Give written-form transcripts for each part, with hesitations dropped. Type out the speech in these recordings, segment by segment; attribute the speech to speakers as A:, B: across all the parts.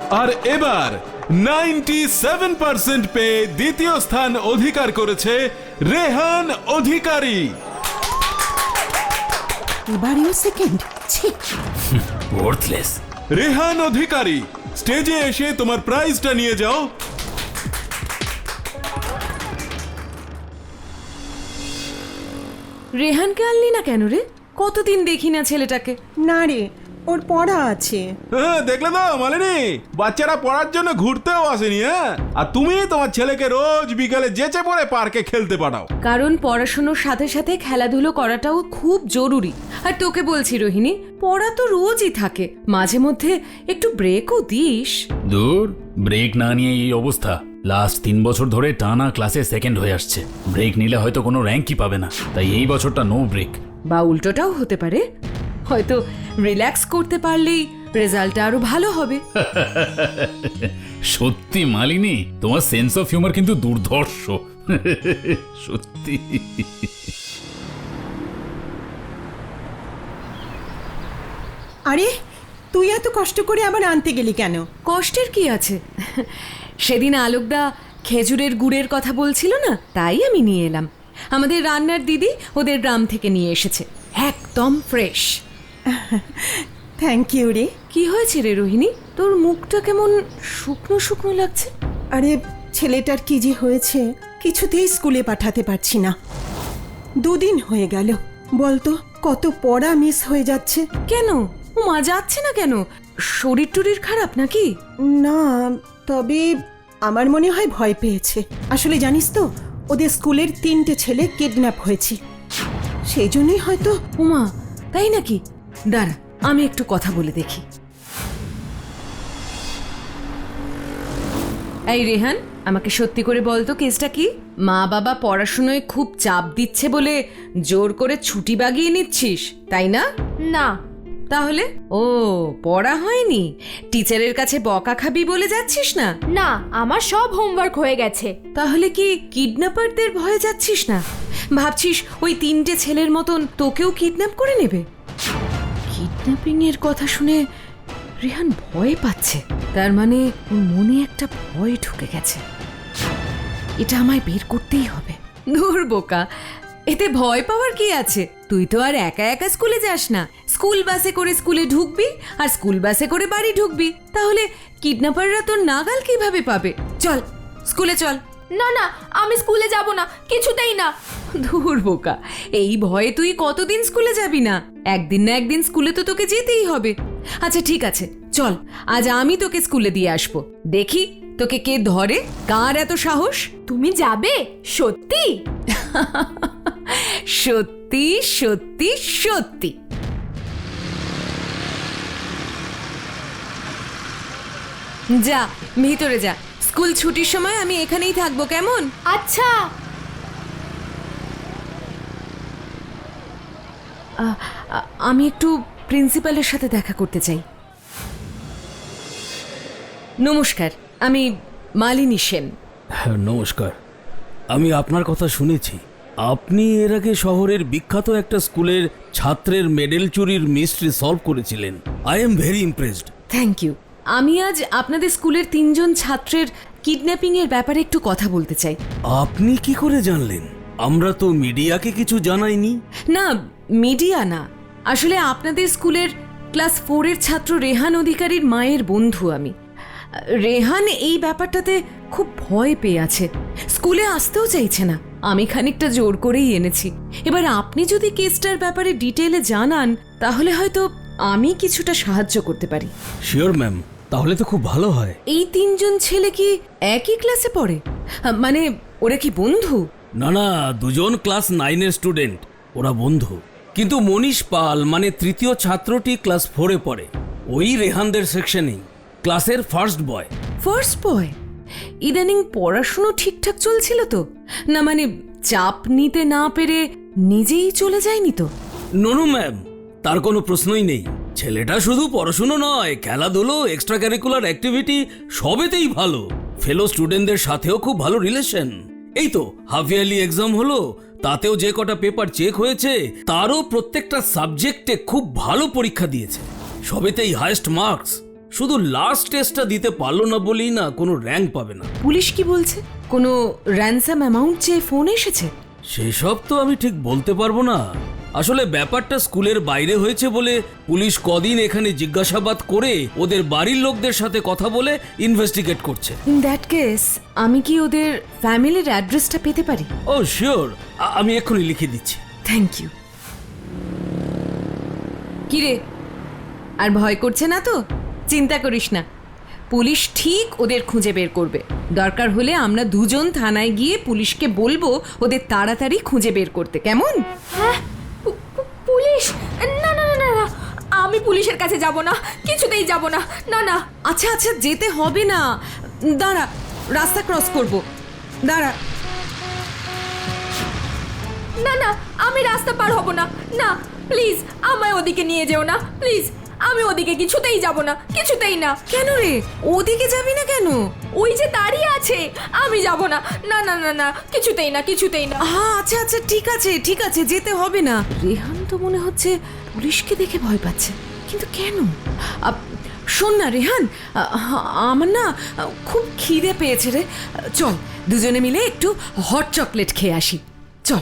A: আর এবার 97% পেয়ে দ্বিতীয় স্থান অধিকার করেছে রেহান অধিকারী।
B: এবারেও সেকেন্ড।
C: ওয়ার্থলেস।
A: রেহান অধিকারী, স্টেজে এসে তোমার প্রাইজটা নিয়ে যাও।
D: রেহানকে আনলি না কেন রে? কতদিন দেখি না ছেলেটাকে।
B: না রে, ওর পড়া আছে।
A: হ্যাঁ, দেখলে তো মালিনী, বাচ্চারা পড়ার জন্য ঘুরতেও আসেনি। হ্যাঁ, আর তুমি তোমার ছেলেকে রোজ বিকালে যেচে পড়ে পার্কে খেলতে পাঠাও।
D: কারণ পড়াশোনার সাথে সাথে খেলাধুলো করাটাও খুব জরুরি। আর তোকে বলছি রোহিণী, পড়া তো রোজই থাকে, মাঝে মধ্যে একটু ব্রেকও দিস।
C: দূর, ব্রেক না নিয়ে এই অবস্থা। লাস্ট 3 বছর ধরে টানা ক্লাসে সেকেন্ড হয়ে আসছে। ব্রেক নিলে হয়তো কোনো র্যাঙ্কই পাবে না, তাই এই বছরটা নো ব্রেক।
D: বা উল্টোটাও হতে পারে, হয়তো রিল্যাক্স করতে পারলেই রেজাল্টটা আরো ভালো হবে।
C: সত্যি মালিনী, তোমার সেন্স অফ হিউমার কিন্তু দুর্ধর্ষ। সত্যি।
B: আরে, তুই এত কষ্ট করে আবার আনতে গেলি কেন?
D: কষ্টের কি আছে? সেদিন আলোকদা খেজুরের গুড়ের কথা বলছিল না, তাই আমি নিয়ে এলাম। আমাদের রান্নার দিদি ওদের গ্রাম থেকে নিয়ে এসেছে, একদম ফ্রেশ।
B: থ্যাংক ইউ রে।
D: কি হয়েছে রে রোহিণী, তোর মুখটা কেমন শুকনো শুকনো লাগছে?
B: আরে, ছেলেটার কি যে হয়েছে, কিছুতেই স্কুলে পাঠাতে পারছি না। 2 দিন হয়ে গেল। বলতো কত পড়া মিস হয়ে যাচ্ছে।
D: কেন ও মা যাচ্ছে না কেন? শরীর টরীর খারাপ নাকি?
B: না, তবে আমার মনে হয় ভয় পেয়েছে। আসলে জানিস তো, ওদের স্কুলের 3টে ছেলে কিডন্যাপ হয়েছে, সেই জন্যই হয়তো।
D: উমা, তাই নাকি? দাঁড়া, আমি একটু কথা বলে দেখি। এই রেহান, আমাকে সত্যি করে বলতো কেসটা কি? মা বাবা পড়াশোনায় খুব চাপ দিচ্ছে বলে জোর করে ছুটি বাগিয়ে নিচ্ছিস, তাই না?
E: না।
D: তাহলে ও পড়া হয়নি, টিচারের কাছে বকা খাবি বলে যাচ্ছিস না?
E: না, আমার সব হোমওয়ার্ক হয়ে গেছে।
D: তাহলে কি কিডন্যাপারদের ভয়ে যাচ্ছিস না? ভাবছিস ওই 3টে ছেলের মতন তোকেও কিডন্যাপ করে নেবে? কিডন্যাপিং এর কথা শুনে রেহান ভয় পাচ্ছে, তার মানে ওর মনে একটা ভয় ঢুকে গেছে। এটা আমায় বের করতেই হবে। দূর বোকা, এতে ভয় পাওয়ার কি আছে? তুই তো আর একা একা স্কুলে যাস না, স্কুল বাসে করে স্কুলে ঢুকবি আর স্কুল বাসে করে বাড়ি ঢুকবি। তাহলে কিডন্যাপাররা তোর নাগাল কিভাবে পাবে? চল স্কুলে চল।
E: না না, আমি স্কুলে যাব না, কিছুতেই না।
D: দূর বোকা, এই ভয়ে তুই কতদিন স্কুলে যাবি না? একদিন না একদিন স্কুলে তো তোকে যেতেই হবে। আচ্ছা ঠিক আছে, চল আজ আমি তোকে স্কুলে দিয়ে আসবো। দেখি তোকে কে ধরে, কার এত সাহস।
E: তুমি যাবে? সত্যি?
D: সত্যি সত্যি সত্যি। যা ভিতরে যা, স্কুল ছুটির সময় আমি এখানেই থাকবো, কেমন?
E: আচ্ছা।
D: আমি একটু প্রিন্সিপালের সাথে দেখা করতে চাই। নমস্কার, আমি মালিনী সেন।
F: নমস্কার, আমি আপনার কথা শুনেছি। আপনি এর আগে শহরের বিখ্যাত একটা স্কুলের ছাত্রের মেডেল চুরির মিস্ট্রি সলভ করেছিলেন। I am very impressed.
D: Thank you. আমি আজ আপনাদের স্কুলের 3জন ছাত্রের কিডন্যাপিং এর ব্যাপারে একটু কথা বলতে চাই।
F: আপনি কি করে জানলেন? আমরা তো মিডিয়াকে কিছু জানাইনি।
D: না, মিডিয়া না, আসলে আপনাদের স্কুলের ক্লাস 4 এর ছাত্র রেহান অধিকারীর মায়ের বন্ধু আমি। রেহান এই ব্যাপারটাতে খুব ভয় পেয়ে আছে, স্কুলে আসতেও চাইছে না। আমি খানিকটা জোর করেই এনেছি। এবার আপনি যদি কেসটার ব্যাপারে ডিটেইলে জানান, তাহলে হয়তো আমি কিছুটা সাহায্য করতে পারি।
F: শিওর ম্যাম, তাহলে তো খুব ভালো হয়।
D: এই 3জন ছেলে কি একই ক্লাসে পড়ে? মানে ওরা কি বন্ধু?
F: না না, 2জন ক্লাস 9-এর স্টুডেন্ট, ওরা বন্ধু। কিন্তু মনীষ পাল মানে 3য় ছাত্রটি ক্লাস 4-এ পড়ে, ওই রেহানদের সেকশনেই, ক্লাসের ফার্স্ট বয়।
D: First boy? ইদানিং পড়াশুনো ঠিকঠাক চলছিল তো? না মানে চাপ নিতে না পেরে নিজেই চলে যায়নি তো?
F: নো ম্যাম, তার কোনো প্রশ্নই নেই। ছেলেটা শুধু পড়াশুনো নয়, খেলাধুলো, এক্সট্রা ক্যারিকুলার অ্যাক্টিভিটি সবেতেই ভালো। ফেলো স্টুডেন্টদের সাথেও খুব ভালো রিলেশন। এই তো হাফ ইয়ারলি এক্সাম হলো, তাতেও যে কটা পেপার চেক হয়েছে তারও প্রত্যেকটা সাবজেক্টে খুব ভালো পরীক্ষা দিয়েছে, সবেতেই হাইয়েস্ট মার্কস। শুধু লাস্ট টেস্টটা দিতে পারলো না বলেই না কোনো র্যাঙ্ক পাবে না।
D: পুলিশ কি বলছে? কোনো র্যানসাম অ্যামাউন্ট চেয়ে ফোন এসেছে?
F: সেসব তো আমি ঠিক বলতে পারবো না। আসলে ব্যাপারটা স্কুলের বাইরে হয়েছে বলে পুলিশ কদিন এখানে জিজ্ঞাসাবাদ করে ওদের বাড়ির লোকদের সাথে কথা বলে ইনভেস্টিগেট করছে।
D: ইন দ্যাট কেস আমি কি ওদের ফ্যামিলির অ্যাড্রেসটা পেতে পারি?
F: ও শিওর, আমি এক্ষুনি লিখে দিচ্ছি।
D: Thank you. কিরে, আর ভয় করছে না তো? চিন্তা করিস না, পুলিশ ঠিক ওদের খুঁজে বের করবে। দরকার হলে আমরা দুজন থানায় গিয়ে পুলিশকে বলবো ওদের তাড়াতাড়ি খুঁজে বের করতে, কেমন?
E: হ্যাঁ, পুলিশ? না না না না না, আমি পুলিশের কাছে যাব না, কিছুতেই যাব না। না না।
D: আচ্ছা আচ্ছা, যেতে হবে না, দাঁড়া, রাস্তা ক্রস করব, দাঁড়া।
E: না না, আমি রাস্তা পার হব না। না প্লিজ, আমায় ওদিকে নিয়ে যেও না প্লিজ। আমি ওদিকে কিছুতেই যাব না, কিছুতেই না।
D: কেন রে, ওদিকে যাবি না কেন?
E: ওই যে দাঁড়িয়ে আছে, আমি যাব না। না না না না, কিছুতেই না, কিছুতেই না।
D: হ্যাঁ আচ্ছা আচ্ছা, ঠিক আছে ঠিক আছে, যেতে হবে না। রেহান তো মনে হচ্ছে পুলিশকে দেখে ভয় পাচ্ছে, কিন্তু কেন? শোন না রেহান, আমার না খুব খিদে পেয়েছে রে। চল দুজনে মিলে একটু হট চকলেট খেয়ে আসি, চল।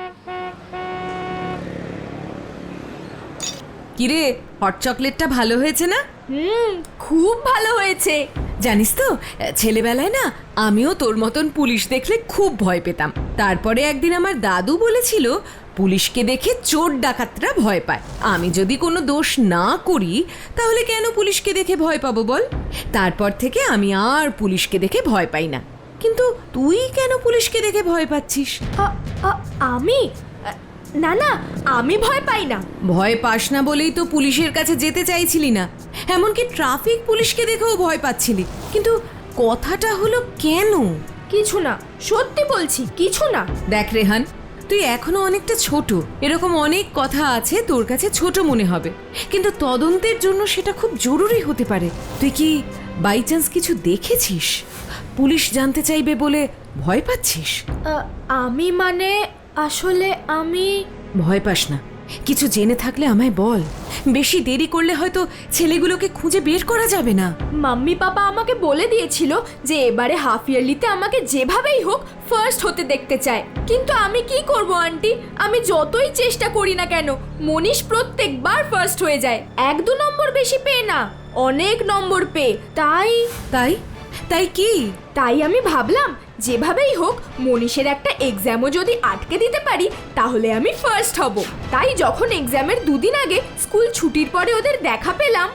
D: কিরে, হট চকলেটটা ভালো হয়েছে না?
E: খুব ভালো হয়েছে।
D: জানিস তো, ছেলেবেলায় না আমিও তোর মতন পুলিশ দেখলে খুব ভয় পেতাম। তারপরে একদিন আমার দাদু বলেছিল পুলিশকে দেখে চোর ডাকাতরা ভয় পায়। আমি যদি কোনো দোষ না করি তাহলে কেন পুলিশকে দেখে ভয় পাবো বল? তারপর থেকে আমি আর পুলিশকে দেখে ভয় পাই না। কিন্তু তুই কেন পুলিশকে দেখে ভয় পাচ্ছিস?
E: আমি? না না, আমি ভয় পাই না।
D: ভয় পাস না বলেই তো পুলিশের কাছে যেতে চাইছিলি না, এমনকি ট্রাফিক পুলিশকে দেখেও ভয় পাচ্ছিলি। কিন্তু কথাটা হলো কেন?
E: কিছু না, সত্যি বলছি, কিছু না।
D: দেখ রেহান, তুই এখনো অনেকটা ছোট, এরকম অনেক কথা আছে তোর কাছে ছোট মনে হবে, কিন্তু তদন্তের জন্য সেটা খুব জরুরি হতে পারে। তুই কি বাই চান্স কিছু দেখেছিস? পুলিশ জানতে চাইবে বলে ভয় পাচ্ছিস?
E: আমি মানে আসলে আমি...
D: ভয় পাস না, কিছু জেনে থাকলে আমায় বল। বেশি দেরি করলে হয়তো ছেলেগুলোকে খুঁজে বের করা যাবে না।
E: মাম্মি পাপা আমাকে বলে দিয়েছিল যে এবারে হাফ ইয়ারলিতে আমাকে যেভাবেই হোক ফার্স্ট হতে দেখতে চায়। কিন্তু আমি কি করব আন্টি, আমি যতই চেষ্টা করি না কেন মনীষ প্রত্যেকবার ফার্স্ট হয়ে যায়। 1-2 নম্বর বেশি পেয়ে না, অনেক নম্বর পেয়ে। তাই
D: তাই তাই কি?
E: তাই আমি ভাবলাম যেভাবেই হোক মনীষের একটা এক্সামও যদি আটকে দিতে পারি তাহলে আমি ফার্স্ট হব। তাই যখন এক্সামের 2 দিন আগে স্কুল ছুটির পরে ওদের দেখা পেলাম,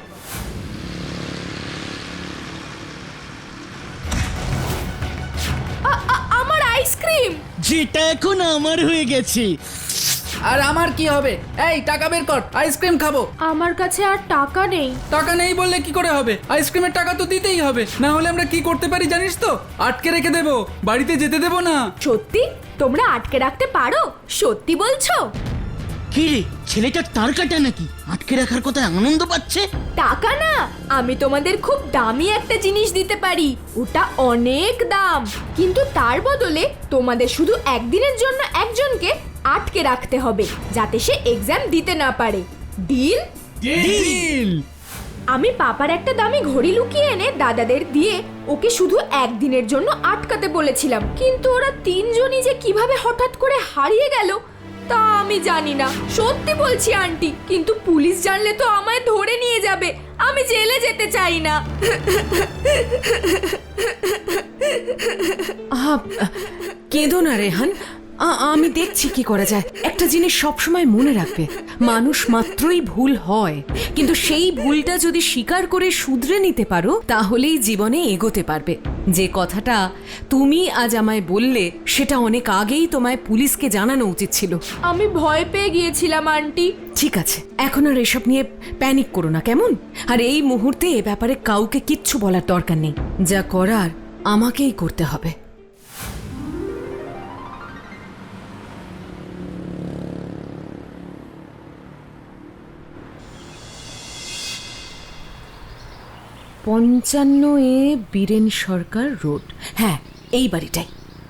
E: আমার আইসক্রিম!
G: যেটা এখন আমার হয়ে গেছে।
H: আর আমার কি হবে? এই টাকা বের কর, আইসক্রিম খাবো।
E: আমার কাছে আর টাকা নেই।
H: টাকা নেই বললে কি করে হবে? আইসক্রিমের টাকা তো দিতেই হবে, না হলে আমরা কি করতে পারি জানিস তো? আটকে রেখে দেবো, বাড়িতে যেতে দেবো না।
E: সত্যি? তোমরা আটকে রাখতে পারো? সত্যি বলছো?
G: কি রে, ছেলেটা তার কাটা নাকি? আটকে রাখার কথা আনন্দ পাচ্ছে।
E: টাকা না, আমি তোমাদের খুব দামি একটা জিনিস দিতে পারি, ওটা অনেক দাম। কিন্তু তার বদলে তোমাদের শুধু একদিনের জন্য একজনকে আটকে রাখতে হবে, যাতে সে এক্সাম দিতে না পারে। ডিল?
G: ডিল।
E: আমি পাপার একটা দামি ঘড়ি লুকিয়ে এনে দাদাদের দিয়ে ওকে শুধু একদিনের জন্য আটকাতে বলেছিলাম। কিন্তু ওরা 3 জনই যে কিভাবে হঠাৎ করে হারিয়ে গেল তা আমি জানি না। সত্যি বলছি আন্টি, কিন্তু পুলিশ জানলে তো আমায় ধরে নিয়ে যাবে। আমি জেলে যেতে চাই না।
D: কেঁদো না রেহান, আমি দেখছি কি করা যায়। একটা জিনিস সবসময় মনে রাখবে, মানুষ মাত্রই ভুল হয়, কিন্তু সেই ভুলটা যদি স্বীকার করে শুধরে নিতে পারো তাহলেই জীবনে এগোতে পারবে। যে কথাটা তুমি আজ আমায় বললে সেটা অনেক আগেই তোমায় পুলিশকে জানানো উচিত ছিল।
E: আমি ভয় পেয়ে গিয়েছিলাম আন্টি।
D: ঠিক আছে, এখন আর এসব নিয়ে প্যানিক করো না, কেমন? আর এই মুহূর্তে এ ব্যাপারে কাউকে কিচ্ছু বলার দরকার নেই। যা করার আমাকেই করতে হবে। পঞ্চান্ন এ বীরেন সরকার রোড। হ্যাঁ, এই বাড়িটাই।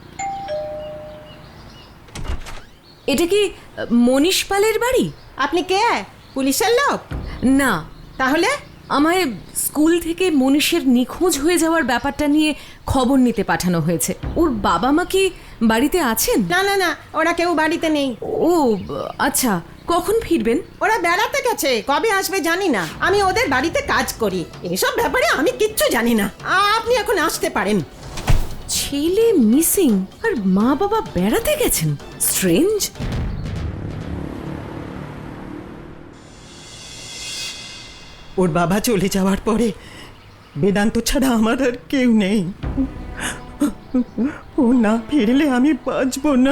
D: এটা কি মনীষ পালের বাড়ি?
B: আপনি কে? পুলিশের লোক?
D: না।
B: তাহলে
D: আমায় স্কুল থেকে মনীষের নিখোঁজ হয়ে যাওয়ার ব্যাপারটা নিয়ে খবর নিতে পাঠানো হয়েছে। ওর বাবা মা কি বাড়িতে আছেন?
B: না না না, ওরা কেউ বাড়িতে নেই।
D: ও আচ্ছা, কখন ফিরবেন?
B: ওরা বেড়াতে গেছে, কবে আসবে জানি না। আমি ওদের বাড়িতে কাজ করি, এসব ব্যাপারে আমি কিচ্ছু জানি না। আপনি এখন আসতে পারেন।
D: ছেলে মিসিং আর মা বাবা বেড়াতে গেছেন, স্ট্রেঞ্জ।
B: ওর বাবা চলে যাওয়ার পরে বেদান্ত ছাড়া আমার আর কেউ নেই। ও না ফিরলে আমি বাঁচবো না।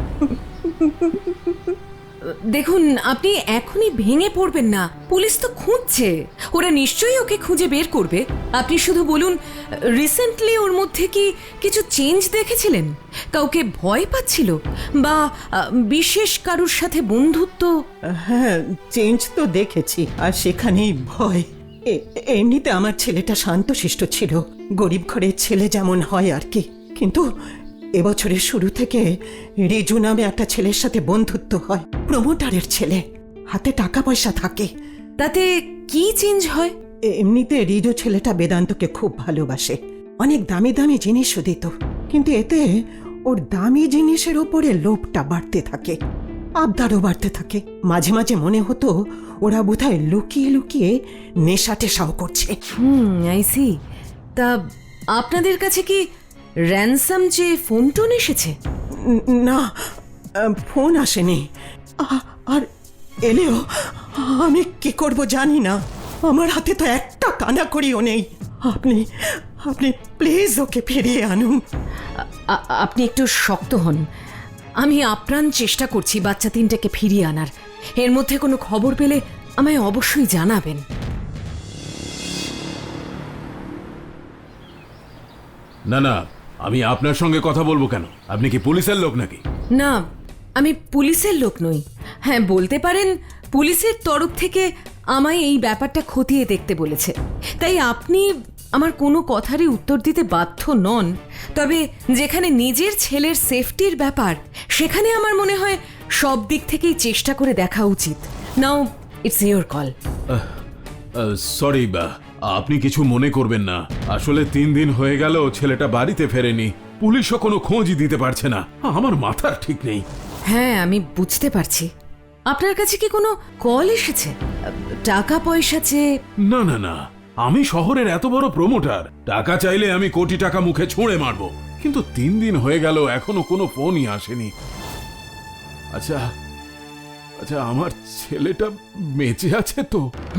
D: দেখুন, আপনি এখনই ভেঙে পড়বেন না, পুলিশ তো খুঁজছে, ওরা নিশ্চয়ই ওকে খুঁজে বের করবে। আপনি শুধু বলুন, রিসেন্টলি ওর মধ্যে কি কিছু চেঞ্জ দেখেছিলেন? কাউকে ভয় পাচ্ছিল বা বিশেষ কারুর সাথে বন্ধুত্ব?
B: হ্যাঁ, চেঞ্জ তো দেখেছি, আর সেখানেই ভয়। এমনিতে আমার ছেলেটা শান্তশিষ্ট ছিল, গরিব ঘরের ছেলে যেমন হয় আর কি। কিন্তু এবছরের শুরু থেকে রিজু নামে একটা ছেলের সাথে বন্ধুত্ব হয়, প্রমোটারের ছেলে, হাতে টাকা পয়সা থাকে।
D: তাতে কি চেঞ্জ হয়?
B: এমনিতে রিজু ছেলেটা বেদান্তকে খুব ভালোবাসে, অনেক দামি দামি জিনিসও দিত, কিন্তু এতে ওর দামি জিনিসের ওপরে লোভটা বাড়তে থাকে, আবদারও বাড়তে থাকে। মাঝে মাঝে মনে হতো ওরা বোধহয় লুকিয়ে লুকিয়ে নেশা টেশাও করছে।
D: I see. তা আপনাদের কাছে কি র্যানসাম যে ফোন টোন এসেছে?
B: না, ফোন আসেনি, আর এলেও আমি কি করব জানি না। আমার হাতে তো একটা কানাকড়িও নেই। আপনি আপনি প্লিজ ওকে ফিরিয়ে আনুন।
D: আপনি একটু শক্ত হন, আমি আপ্রাণ চেষ্টা করছি বাচ্চা তিনটাকে ফিরিয়ে আনার। এর মধ্যে কোনো খবর পেলে আমায় অবশ্যই জানাবেন।
A: না না, আমি আপনার সঙ্গে কথা বলবো কেন? আপনি কি পুলিশের লোক নাকি?
D: না, আমি পুলিশের লোক নই। হ্যাঁ, বলতে পারেন পুলিশের তরফ থেকে আমায় এই ব্যাপারটা খতিয়ে দেখতে বলেছে, তাই আপনি আমার কোনো কথারই উত্তর দিতে বাধ্য নন। তবে যেখানে নিজের ছেলের সেফটির ব্যাপার, সেখানে আমার মনে হয় সব দিক থেকেই চেষ্টা করে দেখা উচিত। Now it's your call.
A: Sorry, আপনি কিছু মনে করবেন না। আসলে 3 দিন হয়ে গেল ছেলেটা বাড়িতে ফেরেনি, পুলিশও কোনো খোঁজই দিতে পারছে না। আমার মাথার ঠিক নেই।
D: হ্যাঁ, আমি বুঝতে পারছি। আপনার কাছে কি কোনো কল এসেছে? টাকা পয়সা চেয়ে?
A: না না না, আমি শহরের এত বড় প্রমোটার, টাকা চাইলে আমি কোটি টাকা মুখে ছুঁড়ে মারবো, কিন্তু 3 দিন হয়ে গেল এখনো কোনো ফোনই আসেনি। আচ্ছা আচ্ছা, আমার ছেলেটা বেঁচে আছে তো?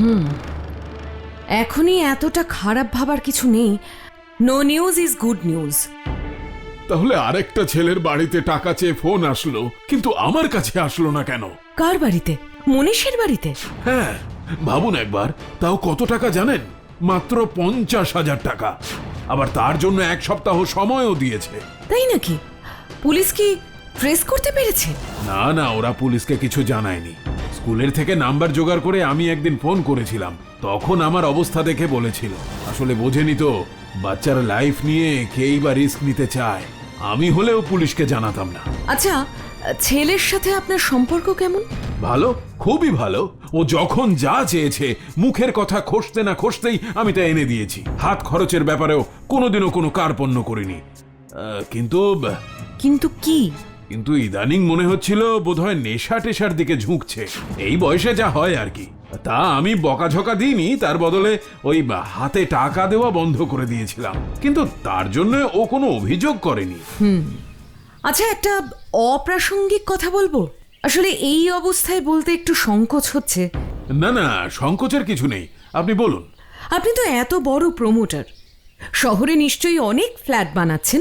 D: এখনই এতটা খারাপ ভাবার কিছু নেই। No news is good news.
A: তাহলে আরেকটা ছেলের বাড়িতে টাকা চেয়ে ফোন আসলো, কিন্তু আমার কাছে আসলো না কেন?
D: কার বাড়িতে? মনীষের বাড়িতে?
A: হ্যাঁ, ভাবুন একবার, তাও কত টাকা জানেন? মাত্র 50,000 টাকা। আবার তার জন্য 1 সপ্তাহ সময়ও দিয়েছে।
D: তাই নাকি? পুলিশ কি ট্রেস করতে পেরেছে?
A: না না, ওরা পুলিশকে কিছু জানায়নি। স্কুলের থেকে নাম্বার জোগাড় করে আমি একদিন ফোন করেছিলাম, তখন আমার অবস্থা দেখে বলেছিল। আসলে বোঝেনি তো, বাচ্চার লাইফ নিয়ে কেই বা রিস্ক নিতে চায়। আমি হলেও পুলিশকে জানাতাম না।
D: আচ্ছা, ছেলের সাথে আপনার সম্পর্ক কেমন?
A: ভালো, খুবই ভালো। ও যখন যা চেয়েছে, মুখের কথা খসতে না খসতেই আমি তা এনে দিয়েছি। হাত খরচের ব্যাপারেও কোনোদিনও কোনো কার্পণ্য করিনি। কিন্তু
D: কিন্তু কি?
A: কিন্তু ইদানিং মনে হচ্ছিল বোধহয় নেশা টেশার দিকে ঝুঁকছে। এই বয়সে যা হয় আর কি। তা আমি বকাঝকা দিইনি, তার বদলে ওই হাতে টাকা দেওয়া বন্ধ করে দিয়েছিলাম। কিন্তু তার জন্য ও কোনো অভিযোগ করেনি।
D: আচ্ছা, একটা অপ্রাসঙ্গিক কথা বলবো। আসলে এই অবস্থায় বলতে একটু সংকোচ হচ্ছে।
A: না না, সংকোচের কিছু নেই, আপনি বলুন।
D: আপনি তো এত বড় প্রমোটার, শহরে নিশ্চয়ই অনেক ফ্ল্যাট বানাচ্ছেন।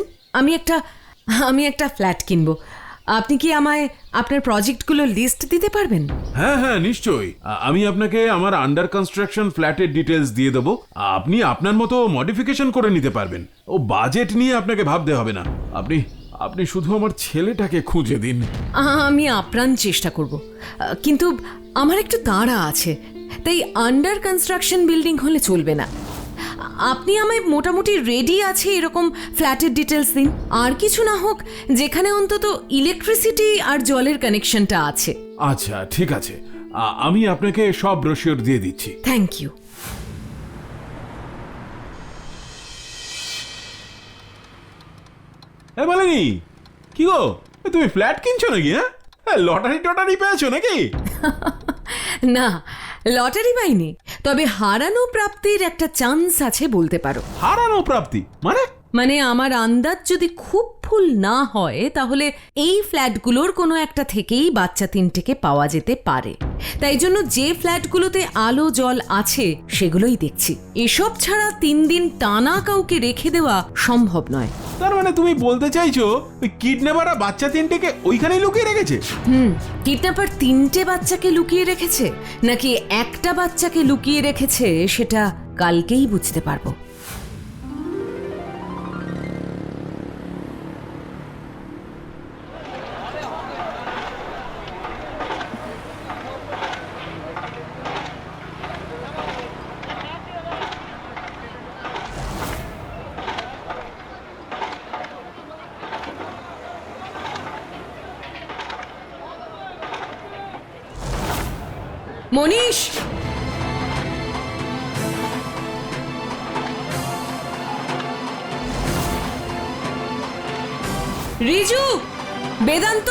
D: আমি একটা ফ্ল্যাট কিনবো। আপনি কি আমায় আপনার প্রজেক্টগুলোর লিস্ট দিতে পারবেন?
A: হ্যাঁ হ্যাঁ, নিশ্চয়ই। আমি আপনাকে আমার আন্ডার কনস্ট্রাকশন ফ্ল্যাটের ডিটেলস দিয়ে দেবো। আপনি আপনার মতো মডিফিকেশন করে নিতে পারবেন। ও বাজেট নিয়ে আপনাকে ভাবতে হবে না। আপনি শুধু আমার ছেলেটাকে খুঁজে দিন।
D: আমি আপ্রাণ চেষ্টা করব, কিন্তু আমার একটু তাড়া আছে, তাই আন্ডার কনস্ট্রাকশন বিল্ডিং হলে চলবে না। আপনি আমায় মোটামুটি রেডি আছে এরকম ফ্ল্যাটের ডিটেলস দিন। আর কিছু না হোক, যেখানে অন্তত ইলেকট্রিসিটি আর জলের কানেকশনটা আছে।
A: আচ্ছা ঠিক আছে, আমি আপনাকে সব ব্রোশিওর দিয়ে দিচ্ছি।
D: Thank you.
A: মালিনী, কি গো, তুমি ফ্ল্যাট কিনছো নাকি? হ্যাঁ, লটারি টটারি পেয়েছো নাকি?
D: না, লটারি পাইনি, তবে হারানো প্রাপ্তির একটা চান্স আছে বলতে পারো।
A: হারানো প্রাপ্তি
D: মানে আমার আন্দাজ যদি খুব ভুল না হয় তাহলে এই ফ্ল্যাটগুলোর কোনো একটা থেকেই বাচ্চা তিনটেকে পাওয়া যেতে পারে। তাই জন্য যে ফ্ল্যাটগুলোতে আলো জল আছে সেগুলোই দেখছি। এসব ছাড়া 3 দিন টানা কাউকে রেখে দেওয়া সম্ভব নয়।
A: তার মানে তুমি বলতে চাইছো ওই কিডন্যাপাররা বাচ্চা তিনটেকে ওইখানেই লুকিয়ে রেখেছে?
D: কিডন্যাপার 3টে বাচ্চাকে লুকিয়ে রেখেছে নাকি একটা বাচ্চাকে লুকিয়ে রেখেছে সেটা কালকেই বুঝতে পারবো। মনীষ, রিজু, বেদান্ত,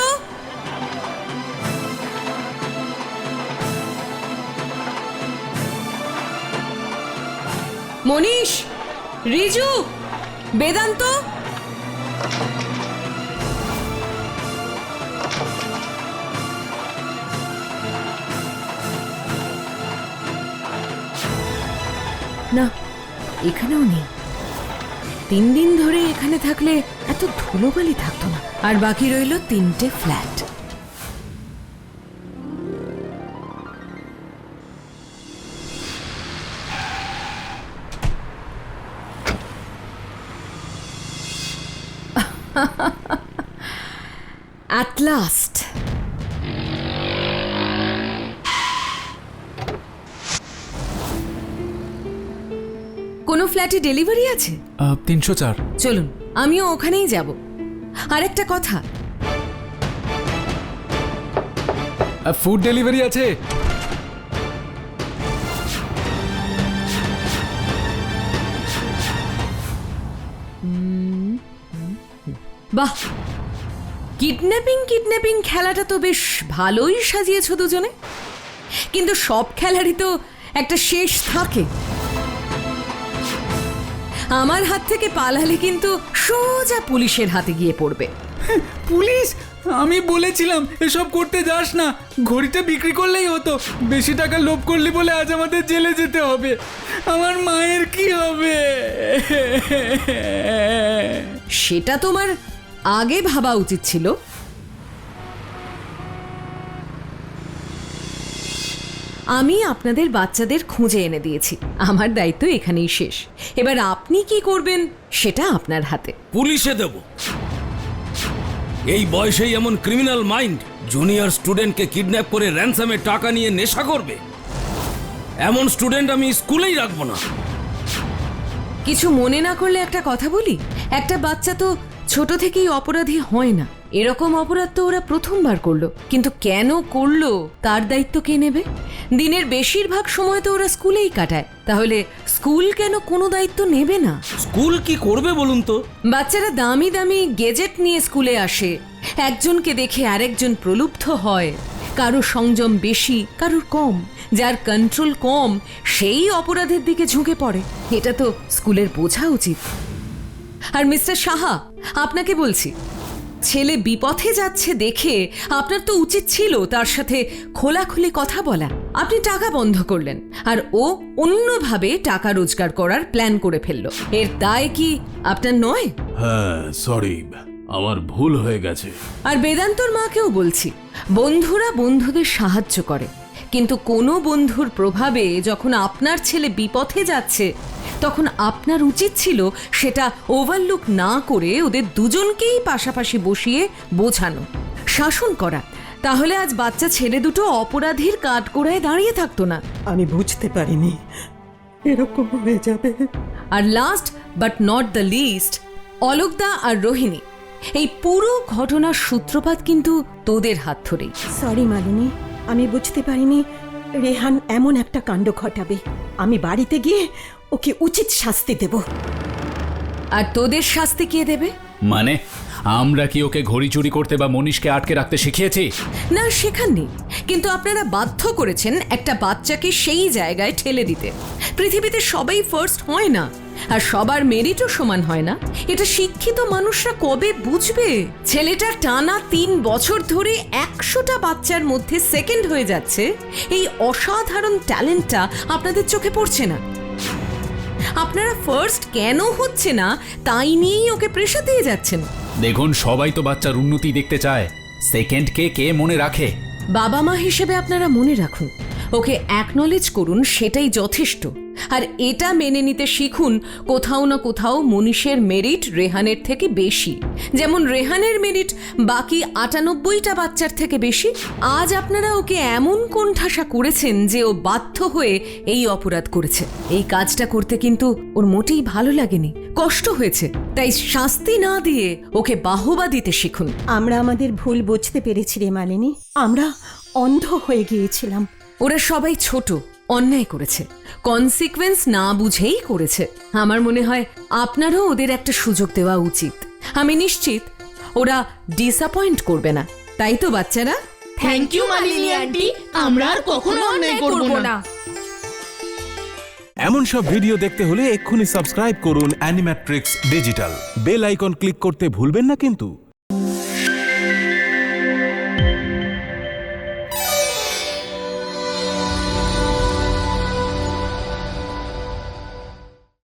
D: মনীষ, রিজু, বেদান্ত। না, এখানেও নেই। 3 দিন ধরে এখানে থাকলে এত ধুলোবালি থাকতো না। আর বাকি রইল 3টে ফ্ল্যাট। At last. কোনো ফ্ল্যাটে ডেলিভারি আছে?
H: 304।
D: চলুন, আমিও ওখানেই যাব। আরেকটা কথা,
H: ফুড ডেলিভারি আছে?
D: বাহ, কিডন্যাপিং খেলাটা তো বেশ ভালোই সাজিয়েছ দুজনে। কিন্তু সব খেলারই তো একটা শেষ থাকে। আমার হাত থেকে পালালে কিন্তু সোজা পুলিশের হাতে গিয়ে পড়বে।
H: পুলিশ? আমি বলেছিলাম এসব করতে যাস না, ঘড়িটা বিক্রি করলেই হতো। বেশি টাকা লোভ করলি বলে আজ আমাদের জেলে যেতে হবে। আমার মায়ের কি হবে?
D: সেটা তোমার আগে ভাবা উচিত ছিল। আমি আপনাদের বাচ্চাদের খুঁজে এনে দিয়েছি, আমার দায়িত্ব এখানেই শেষ। এবার আপনি কি করবেন সেটা আপনার হাতে।
F: পুলিশে দেব? এই বয়সেই এমন ক্রিমিনাল মাইন্ড জুনিয়র স্টুডেন্টকে কিডন্যাপ করে র্যানসামে টাকা নিয়ে নেশা করবে? এমন স্টুডেন্ট আমি স্কুলেই রাখবো না।
D: কিছু মনে না করলে একটা কথা বলি, একটা বাচ্চা তো ছোট থেকেই অপরাধী হয় না। এরকম অপরাধ তো ওরা প্রথমবার করলো, কিন্তু কেন করলো তার দায়িত্ব কে নেবে? দিনের বেশিরভাগ সময় তো ওরা স্কুলেই কাটায়, তাহলে স্কুল কেন কোনো দায়িত্ব নেবে না?
F: স্কুল কি করবে বলুন তো?
D: বাচ্চারা দামি দামি গেজেট নিয়ে স্কুলে আসে, একজনকে দেখে আরেকজন প্রলুব্ধ হয়। কারো সংযম বেশি, কারোর কম। যার কন্ট্রোল কম সেই অপরাধের দিকে ঝুঁকে পড়ে। এটা তো স্কুলের বোঝা উচিত। আর মিস্টার সাহা, আপনাকে বলছি, ছেলে বিপথে যাচ্ছে দেখে আপনার তো উচিত ছিল তার সাথে খোলাখুলি কথা বলা। আপনি টাকা বন্ধ করলেন আর ও অন্যভাবে টাকা রোজগার করার প্ল্যান করে ফেললো। এর দায় কি আপনার নয়?
A: হ্যাঁ, সরি, আমার ভুল হয়ে গেছে।
D: আর বেদান্তর মাকেও বলছি, বন্ধুরা বন্ধুদের সাহায্য করে, কিন্তু কোনো বন্ধুর প্রভাবে যখন আপনার ছেলে বিপথে যাচ্ছে তখন আপনার উচিত ছিল সেটা ওভারলুক না করে ওদের দুজনকেই পাশাপাশি বসিয়ে বোঝানো, শাসন করা। তাহলে আজ বাচ্চা ছেলে দুটো অপরাধীর কাঠগড়ায় দাঁড়িয়ে থাকতো না।
B: আমি বুঝতে পারিনি এরকম হয়ে যাবে।
D: আর last but not the least, অলোকদা আর রোহিণী, এই পুরো ঘটনার সূত্রপাত কিন্তু তোদের হাত ধরেই।
B: সরি মালিনী, আমি বুঝতে পারিনি রেহান এমন একটা কাণ্ড ঘটাবে। আমি বাড়িতে গিয়ে ওকে উচিত শাস্তি দেব।
D: আর তোদের শাস্তি কে দেবে?
C: মানে আমরা কি ওকে ঘড়ি চুরি করতে বা মনীষকে আটকে রাখতে শিখিয়েছি?
D: না, শেখাননি, কিন্তু আপনারা বাধ্য করেছেন একটা বাচ্চাকে সেই জায়গায় ঠেলে দিতে। পৃথিবীতে সবাই ফার্স্ট হয় না, আর সবার মেরিটও সমান হয় না। এটা শিক্ষিত মানুষরা কবে বুঝবে? ছেলেটা টানা 3 বছর ধরে 100টা বাচ্চার মধ্যে সেকেন্ড হয়ে যাচ্ছে, এই অসাধারণ ট্যালেন্টটা আপনাদের চোখে পড়ছে না। আপনারা ফার্স্ট কেন হচ্ছে না তাই নিয়েই ওকে প্রেশার দিয়ে যাচ্ছেন।
C: দেখুন, সবাই তো বাচ্চার উন্নতি দেখতে চায়, সেকেন্ডকে কে মনে রাখে?
D: বাবা মা হিসেবে আপনারা মনে রাখুন, ওকে অ্যাকনলেজ করুন, সেটাই যথেষ্ট। আর এটা মেনে নিতে শিখুন কোথাও না কোথাও মনীষের মেরিট রেহানের থেকে বেশি, যেমন রেহানের মেরিট বাকি 98টা বাচ্চার থেকে বেশি। আজ আপনারা ওকে এমন কোণঠাসা করেছেন যে ও বাধ্য হয়ে এই অপরাধ করেছে। এই কাজটা করতে কিন্তু ওর মোটেই ভালো লাগেনি, কষ্ট হয়েছে। তাই শাস্তি না দিয়ে ওকে বাহবা দিতে শিখুন।
B: আমরা আমাদের ভুল বুঝতে পেরেছি রে মালিনী, আমরা অন্ধ হয়ে গিয়েছিলাম।
D: ওরা সবাই ছোট, অন্যায় করেছে, কনসিকোয়েন্স না বুঝেই করেছে। আমার মনে হয় আপনারও ওদের একটা সুযোগ দেওয়া উচিত। আমি নিশ্চিত ওরা ডিসঅ্যাপয়েন্ট করবে না, তাই তো বাচ্চারা?
G: থ্যাংক ইউ মালিনী আন্টি, আমরা আর কখনো অন্যায় করব না।
I: এমন সব ভিডিও দেখতে হলে এক্ষুনি সাবস্ক্রাইব করুন Animatrix digital. Bell icon click করতে ভুলবেন না কিন্তু।